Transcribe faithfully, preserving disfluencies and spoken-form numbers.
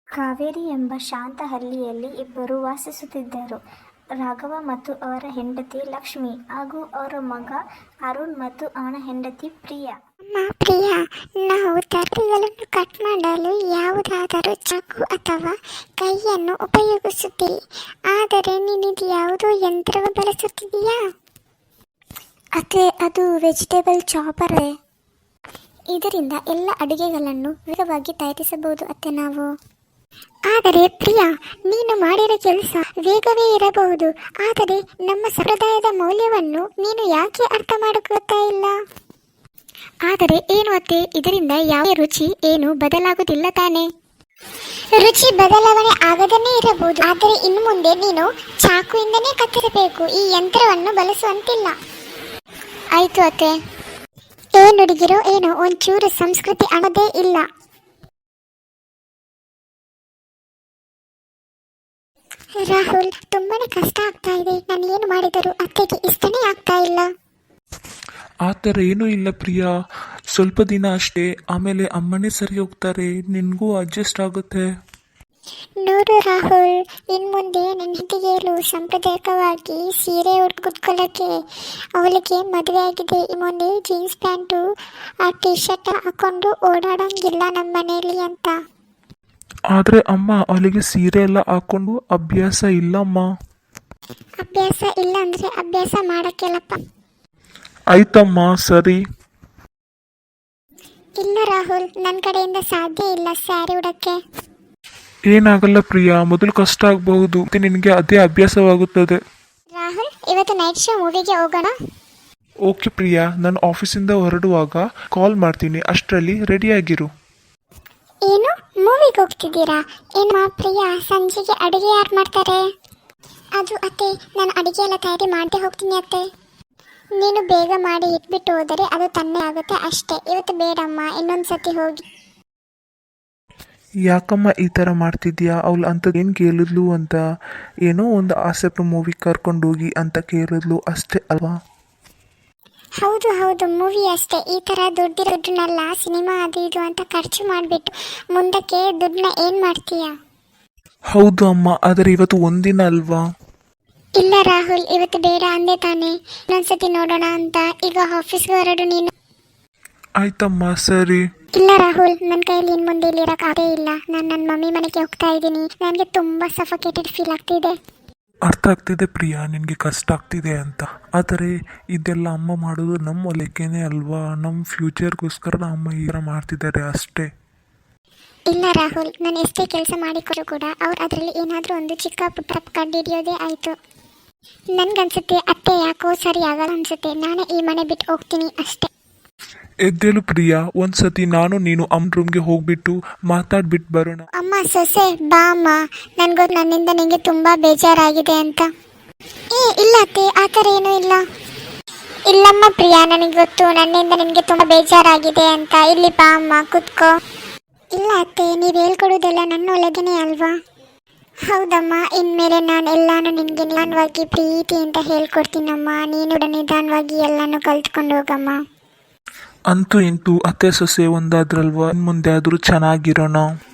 ಕಾವೇರಿ ಎಂಬ ಶಾಂತ ಹಳ್ಳಿಯಲ್ಲಿ ಇಬ್ಬರು ವಾಸಿಸುತ್ತಿದ್ದರು. ರಾಘವ ಮತ್ತು ಅವರ ಹೆಂಡತಿ ಲಕ್ಷ್ಮಿ ಹಾಗೂ ಅವರ ಮಗ ಅರುಣ್ ಮತ್ತು ಅವನ ಹೆಂಡತಿ ಪ್ರಿಯಾ. ಅಮ್ಮ ಪ್ರಿಯಾ, ನಾವು ತರಕಾರಿಗಳನ್ನು ಕಟ್ ಮಾಡಲು ಯಾವುದಾದರೂ ಚಾಕು ಅಥವಾ ಕೈಯನ್ನು ಉಪಯೋಗಿಸುತ್ತೀವಿ. ಆದರೆ ನೀನಿದು ಯಾವುದೋ ಯಂತ್ರವನ್ನು ಬಳಸುತ್ತಿದೆಯಾ? ಅತ್ತೆ, ಅದು ವೆಜಿಟೇಬಲ್ ಚಾಪರ್. ಇದರಿಂದ ಎಲ್ಲ ಅಡುಗೆಗಳನ್ನು ವೇಗವಾಗಿ ತಯಾರಿಸಬಹುದು ಅತ್ತೆ ನಾವು. ಆದರೆ ಪ್ರಿಯಾ, ನೀನು ಮಾಡಿರೋ ಕೆಲಸ ವೇಗವೇ ಇರಬಹುದು, ಆದರೆ ನಮ್ಮ ಸಂಪ್ರದಾಯದ ಮೌಲ್ಯವನ್ನು ನೀನು ಯಾಕೆ ಅರ್ಥ ಮಾಡಿಕೊಳ್ತಾ ಇಲ್ಲ? ಆದರೆ ಏನು ಅತ್ತೆ, ಇದರಿಂದ ಯಾವ ರುಚಿ ಏನು ಬದಲಾಗುವುದಿಲ್ಲ ತಾನೇ? ರುಚಿ ಬದಲಾವಣೆ ಆಗದನ್ನೇ ಇರಬಹುದು, ಆದರೆ ಇನ್ನು ಮುಂದೆ ನೀನು ಚಾಕುವಿಂದನೇ ಕತ್ತರಿಸಬೇಕು, ಈ ಯಂತ್ರವನ್ನು ಬಳಸುವಂತಿಲ್ಲ. ಆಯ್ತು ಅತ್ತೆ. ಏನು ಹುಡುಗಿರೋ ಏನೋ ಒಂಚೂರು ಸಂಸ್ಕೃತಿ ಅನ್ನೋದೇ ಇಲ್ಲ. ರಾಹುಲ್, ತುಂಬಾನೇ ಕಷ್ಟ ಆಗ್ತಾ ಇದೆ. ನಾನು ಏನು ಮಾಡಿದರೂ ಅತ್ತೆಗೆ ಇಷ್ಟನೇ ಆಗ್ತಾ ಇಲ್ಲ. ಆ ಥರ ಏನೂ ಇಲ್ಲ ಪ್ರಿಯಾ, ಸ್ವಲ್ಪ ದಿನ ಅಷ್ಟೇ, ಆಮೇಲೆ ಅಮ್ಮನೇ ಸರಿ ಹೋಗ್ತಾರೆ, ನಿನಗೂ ಅಡ್ಜಸ್ಟ್ ಆಗುತ್ತೆ. ನೋಡು ರಾಹುಲ್, ಇನ್ನು ಮುಂದೆ ನನ್ನ ಹೆಂಡತಿಗೇಳು ಸಾಂಪ್ರದಾಯಿಕವಾಗಿ ಸೀರೆ ಉಟ್ಕೊಳ್ಳೋಕ್ಕೆ ಅವಳಿಗೆ ಮದುವೆ ಆಗಿದೆ. ಈ ಮುಂದೆ ಜೀನ್ಸ್ ಪ್ಯಾಂಟು ಆ ಟಿ ಶರ್ಟ್ ಹಾಕೊಂಡು ಓಡಾಡೋಂಗಿಲ್ಲ ನಮ್ಮ ಮನೆಯಲ್ಲಿ ಅಂತ. ಆದರೆ ಅಮ್ಮ, ಅವಳಿಗೆ ಸೀರೆ ಎಲ್ಲ ಹಾಕೊಂಡು ಅಭ್ಯಾಸ ಇಲ್ಲಮ್ಮ. ಅಭ್ಯಾಸ ಇಲ್ಲ ಅಂದರೆ ಅಭ್ಯಾಸ ಮಾಡೋಕ್ಕೆಲ್ಲಪ್ಪ. ಆಯ್ತಮ್ಮ, ಸರಿ. ಇಲ್ಲ ರಾಹುಲ್, ನನ್ನ ಕಡೆಯಿಂದ ಸಾಧ್ಯ ಇಲ್ಲ ಸ್ಯಾರಿ ಉಡೋಕ್ಕೆ. ಏನಾಗಲ್ಲ ಪ್ರಿಯಾ, ಮೊದಲು ಕಷ್ಟ ಆಗಬಹುದು, ನಿನಗೆ ಅದೇ ಅಭ್ಯಾಸವಾಗುತ್ತದೆ. ರಾಹುಲ್, ಇವತ್ತು ನೈಟ್ ಶೋ ಮೂವಿಗೆ ಹೋಗೋಣ. ಓಕೆ ಪ್ರಿಯಾ, ನಾನು ಆಫೀಸಿಂದ ಹೊರಡುವಾಗ ಕಾಲ್ ಮಾಡ್ತೀನಿ, ಅಷ್ಟರಲ್ಲಿ ರೆಡಿಯಾಗಿರು. ಏನು, ಮೂವಿಗೆ ಹೋಗ್ತಿದ್ದೀರಾ? ಏನು ಪ್ರಿಯಾ, ಸಂಜೆಗೆ ಅಡುಗೆ ಯಾರು ಮಾಡ್ತಾರೆ? ಅದು ಅತ್ತೆ, ನಾನು ಅಡುಗೆ ಎಲ್ಲ ತಯಾರಿ ಮಾಡದೆ ಹೋಗ್ತೀನಿ ಅತ್ತೆ. ನೀನು ಬೇಗ ಮಾಡಿ ಇಟ್ಬಿಟ್ಟು ಹೋದರೆ ಅದು ತನ್ನೇ ಆಗುತ್ತೆ ಅಷ್ಟೇ. ಇವತ್ತು ಬೇಡಮ್ಮ, ಇನ್ನೊಂದು ಸತಿ ಹೋಗಿ. ಯಾಕಮ್ಮ ಈ ಥರ ಮಾಡ್ತಿದ್ಯಾ? ಅವಳು ಅಂಥದ್ದು ಏನು ಕೇಳಿದ್ಲು ಅಂತ, ಏನೋ ಒಂದು ಆಸೆಪ್ಟು ಮೂವಿ ಕರ್ಕೊಂಡೋಗಿ ಅಂತ ಕೇಳಿದ್ಲು ಅಷ್ಟೇ ಅಲ್ವಾ? ಹೌದು ಹೌದು, ಮೂವಿ ಅಷ್ಟೇ. ಈ ಥರ ದುಡ್ಡಿರೋ ದುಡ್ಡನ್ನೆಲ್ಲ ಸಿನಿಮಾ ಅದು ಇದು ಅಂತ ಖರ್ಚು ಮಾಡಿಬಿಟ್ಟು ಮುಂದಕ್ಕೆ ದುಡ್ಡನ್ನ ಏನು ಮಾಡ್ತೀಯ? ಹೌದು ಅಮ್ಮ, ಆದರೆ ಇವತ್ತು ಒಂದಿನ ಅಲ್ವಾ? ಇಲ್ಲ ರಾಹುಲ್, ಇವತ್ತು ಬೇಡ ಅಂದೆ ತಾನೆ, ಇನ್ನೊಂದ್ಸತಿ ನೋಡೋಣ ಅಂತ. ಈಗ ಆಫೀಸ್ಗೆ ಹೊರಡು ನೀನು. ಆಯ್ತಮ್ಮ, ಸರಿ. ಇಲ್ಲ ರಾಹುಲ್, ನನ್ನ ಕೈಯಲ್ಲಿ ಇನ್ನು ಮುಂದೆ ಇಲ್ಲಿರೋಕ್ಕಾಗೇ ಇಲ್ಲ. ನಾನು ನನ್ನ ಮಮ್ಮಿ ಮನೆಗೆ ಹೋಗ್ತಾ ಇದ್ದೀನಿ. ನನಗೆ ತುಂಬ ಸಫೋಕೇಟೆಡ್ ಫೀಲ್ ಆಗ್ತಿದೆ. ಅರ್ಥ ಆಗ್ತಿದೆ ಪ್ರಿಯಾ, ನಿನಗೆ ಕಷ್ಟ ಆಗ್ತಿದೆ ಅಂತ. ಆದರೆ ಇದೆಲ್ಲ ಅಮ್ಮ ಮಾಡೋದು ನಮ್ಮ ಲೆಕ್ಕನೇ ಅಲ್ವಾ? ನಮ್ಮ ಫ್ಯೂಚರ್ಗೋಸ್ಕರ ಅಮ್ಮ ಈ ಥರ ಮಾಡ್ತಿದ್ದಾರೆ ಅಷ್ಟೇ. ಇಲ್ಲ ರಾಹುಲ್, ನಾನು ಎಷ್ಟೇ ಕೆಲಸ ಮಾಡಿಕೊಟ್ರು ಕೂಡ ಅವ್ರು ಅದರಲ್ಲಿ ಏನಾದರೂ ಒಂದು ಚಿಕ್ಕ ಪುಟ್ಟ ಕಂಡುಹಿಡಿಯೋದೇ ಆಯಿತು. ನನಗನ್ಸುತ್ತೆ ಅತ್ತೆ ಯಾಕೋ ಸರಿ ಆಗಲ್ಲ ಅನ್ಸುತ್ತೆ. ನಾನೇ ಈ ಮನೆ ಬಿಟ್ಟು ಹೋಗ್ತೀನಿ ಅಷ್ಟೇ. ಎದ್ದೇಳು ಪ್ರಿಯಾ, ಒಂದ್ಸತಿ ನಾನು ನೀನು ಅಮ್ಮ ರೂಮ್ಗೆ ಹೋಗ್ಬಿಟ್ಟು ಮಾತಾಡ್ಬಿಟ್ಟು ಬರೋಣ. ಅಮ್ಮ ಸೊಸೆ ಬಾ ಅಮ್ಮ, ನನಗೊತ್ತು ನನ್ನಿಂದ ನಿಮಗೆ ತುಂಬ ಬೇಜಾರಾಗಿದೆ ಅಂತ. ಏ ಇಲ್ಲ ಅತ್ತೆ, ಆ ಥರ ಏನೂ ಇಲ್ಲ. ಇಲ್ಲಮ್ಮ ಪ್ರಿಯಾ, ನನಗೆ ಗೊತ್ತು ನನ್ನಿಂದ ನಿನಗೆ ತುಂಬ ಬೇಜಾರಾಗಿದೆ ಅಂತ. ಇಲ್ಲಿ ಬಾ ಅಮ್ಮ, ಕೂತ್ಕೋ. ಇಲ್ಲ ಅತ್ತೆ, ನೀವು ಹೇಳ್ಕೊಡೋದೆಲ್ಲ ನನ್ನ ಒಳಗೇನೆ ಅಲ್ವಾ? ಹೌದಮ್ಮ, ಇನ್ಮೇಲೆ ನಾನು ಎಲ್ಲಾನು ನಿನಗೆ ನಿಧಾನವಾಗಿ ಪ್ರೀತಿ ಅಂತ ಹೇಳ್ಕೊಡ್ತೀನಮ್ಮ. ನೀನು ನಿಧಾನವಾಗಿ ಎಲ್ಲಾನು ಕಲ್ತ್ಕೊಂಡು ಹೋಗಮ್ಮ. ಅಂತೂ ಇಂತೂ ಅತ್ತೆ ಸೊಸೆ ಒಂದಾದ್ರಲ್ವಾ, ಮುಂದೆ ಆದರೂ ಚೆನ್ನಾಗಿರೋಣ.